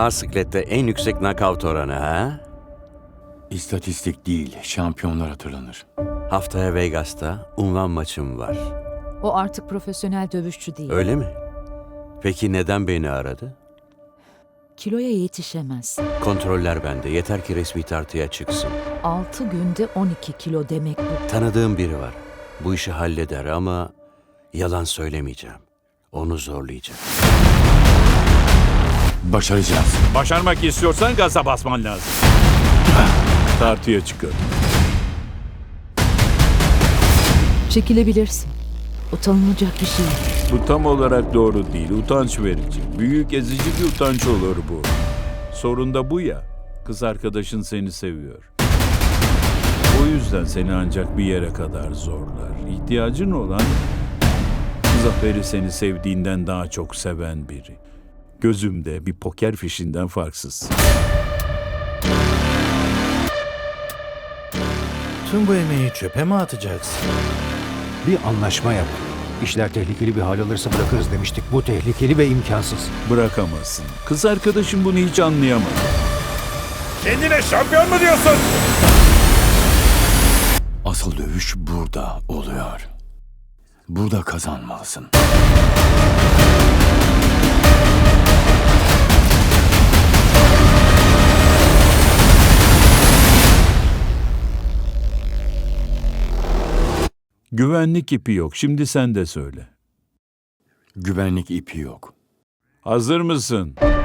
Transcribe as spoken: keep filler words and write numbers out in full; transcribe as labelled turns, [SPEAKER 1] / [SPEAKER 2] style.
[SPEAKER 1] ağır siklette en yüksek knockout oranı ha?
[SPEAKER 2] İstatistik değil, şampiyonlar hatırlanır.
[SPEAKER 1] Haftaya Vegas'ta unvan maçım var.
[SPEAKER 3] O artık profesyonel dövüşçü değil.
[SPEAKER 1] Öyle mi? Peki neden beni aradı?
[SPEAKER 3] Kiloya yetişemez.
[SPEAKER 1] Kontroller bende. Yeter ki resmi tartıya çıksın.
[SPEAKER 3] Altı günde on iki kilo demek bu.
[SPEAKER 1] Tanıdığım biri var. Bu işi halleder ama yalan söylemeyeceğim. Onu zorlayacağım.
[SPEAKER 2] Başaracağız.
[SPEAKER 4] Başarmak istiyorsan gaza basman lazım. Tartıya çıkın.
[SPEAKER 3] Çekilebilirsin. Utanılacak bir şey.
[SPEAKER 4] Bu tam olarak doğru değil. Utanç verici. Büyük ezici bir utanç olur bu. Sorun da bu ya. Kız arkadaşın seni seviyor. O yüzden seni ancak bir yere kadar zorlar. İhtiyacın olan Zafer'i seni sevdiğinden daha çok seven biri. Gözümde bir poker fişinden farksız.
[SPEAKER 5] Tüm bu emeği çöpe mi atacaksın?
[SPEAKER 6] Bir anlaşma yap. İşler tehlikeli bir hal alırsa bırakırız demiştik. Bu tehlikeli ve imkansız.
[SPEAKER 4] Bırakamazsın. Kız arkadaşım bunu hiç anlayamadı.
[SPEAKER 5] Kendine şampiyon mu diyorsun?
[SPEAKER 2] Asıl dövüş burada oluyor. Burada kazanmalısın.
[SPEAKER 4] Güvenlik ipi yok. Şimdi sen de söyle.
[SPEAKER 2] Güvenlik ipi yok.
[SPEAKER 4] Hazır mısın?